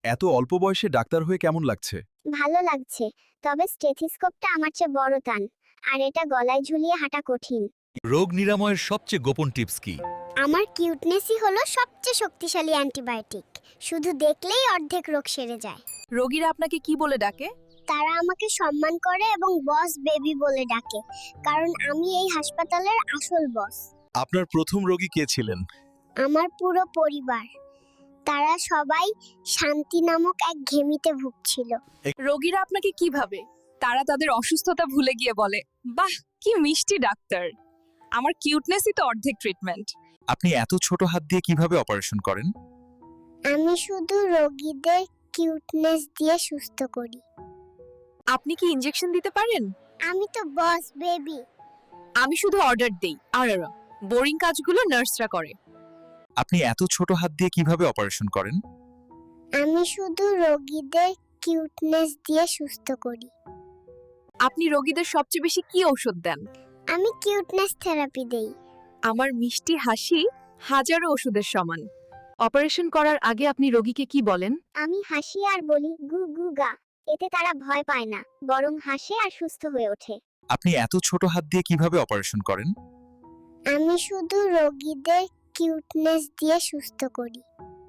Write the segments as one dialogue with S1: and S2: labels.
S1: এত অল্প বয়সে ডাক্তার হয়ে কেমন লাগছে?
S2: ভালো লাগছে, তবে স্টেথিস্কোপটা আমার চেয়ে বড় টান, আর এটা গলায় ঝুলিয়ে হাঁটা কঠিন।
S3: রোগ নিরাময়ের সবচেয়ে গোপন টিপস কি?
S2: আমার কিউটনেসই হলো সবচেয়ে শক্তিশালী অ্যান্টিবায়োটিক। শুধু দেখলেই অর্ধেক রোগ সেরে যায়।
S4: রোগীরা আপনাকে কি বলে ডাকে?
S2: তারা আমাকে সম্মান করে এবং বস বেবি বলে ডাকে, কারণ আমি এই হাসপাতালের আসল বস।
S1: আপনার প্রথম রোগী কে ছিলেন?
S2: আমার পুরো পরিবার, তারা সবাই শান্তি নামক এক ঘেমিতে ভুগছিল।
S4: রোগীরা আপনাকে কি ভাবে? তারা তাদের অসুস্থতা ভুলে গিয়ে বলে, বাহ কি মিষ্টি ডাক্তার। আমার কিউটনেসই তো অর্ধেক ট্রিটমেন্ট।
S1: আপনি এত ছোট হাত দিয়ে কিভাবে অপারেশন করেন?
S2: আমি শুধু রোগীদের কিউটনেস দিয়ে সুস্থ করি।
S4: আপনি কি ইনজেকশন দিতে পারেন?
S2: আমি তো বস বেবি।
S4: আমি শুধু অর্ডার দেই, আর বোরিং কাজগুলো নার্সরা করে।
S1: আপনি এত ছোট হাত দিয়ে কিভাবে অপারেশন করেন?
S2: আমি শুধু রোগীদের কিউটনেস দিয়ে সুস্থ করি।
S4: আপনি রোগীদের সবচেয়ে বেশি কি ঔষধ দেন?
S2: আমি কিউটনেস থেরাপি দেই।
S4: আমার মিষ্টি হাসি হাজারো ওষুধের সমান। অপারেশন করার আগে আপনি রোগীকে কি বলেন?
S2: আমি হাসি আর বলি গু গু গা। এতে তারা ভয় পায় না, বরং হাসে আর সুস্থ হয়ে ওঠে।
S1: আপনি এত ছোট হাত দিয়ে কিভাবে অপারেশন করেন?
S2: আমি শুধু রোগীদের কিউটনেস দিয়ে সুস্থ করি।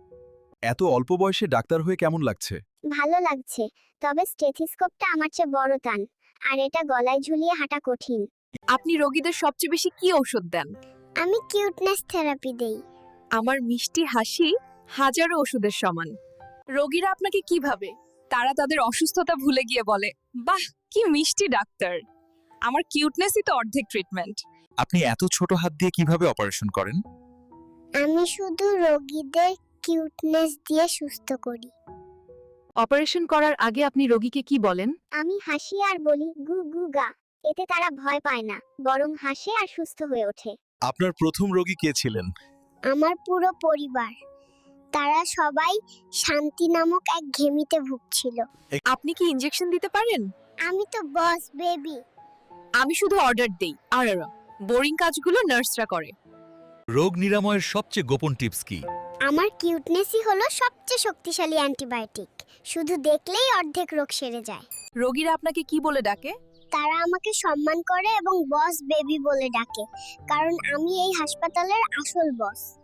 S1: এত অল্প বয়সে ডাক্তার হয়ে কেমন লাগছে?
S2: ভালো লাগছে, তবে স্টেথিস্কোপটা আমার চেয়ে বড় টান, আর এটা গলায় ঝুলিয়ে হাঁটা কঠিন।
S4: আপনি রোগীদের সবচেয়ে বেশি কি ঔষধ দেন?
S2: আমি কিউটনেস থেরাপি দেই।
S4: আমার মিষ্টি হাসি হাজারো ওষুধের সমান। রোগীরা আপনাকে কি ভাবে? তারা তাদের অসুস্থতা ভুলে গিয়ে বলে, বাহ কি মিষ্টি ডাক্তার। আমার কিউটনেসই তো অর্ধেক ট্রিটমেন্ট।
S1: আপনি এত ছোট হাত দিয়ে কিভাবে অপারেশন করেন?
S2: আমি শুধু রোগীদের কিউটনেস দিয়ে সুস্থ করি।
S4: অপারেশন করার আগে আপনি রোগীকে কি বলেন?
S2: আমি হাসি আর বলি গু গু গা। এতে তারা ভয় পায় না, বরং হাসে আর সুস্থ হয়ে ওঠে।
S1: আপনার প্রথম রোগী কে ছিলেন?
S2: আমার পুরো পরিবার, তারা সবাই শান্তি নামক এক ঘেমিতে ভুগছিল।
S4: আপনি কি ইনজেকশন দিতে পারেন?
S2: আমি তো বস বেবি।
S4: আমি শুধু অর্ডার দেই, আর বোরিং কাজগুলো নার্সরা করে।
S3: রোগ নিরাময়ের সবচেয়ে গোপন টিপস কি?
S2: আমার কিউটনেসই হলো সবচেয়ে শক্তিশালী অ্যান্টিবায়োটিক। শুধু দেখলেই অর্ধেক রোগ সেরে যায়।
S4: রোগীরা আপনাকে কি বলে ডাকে?
S2: তারা আমাকে সম্মান করে এবং বস বেবি বলে ডাকে, কারণ আমি এই হাসপাতালের আসল বস।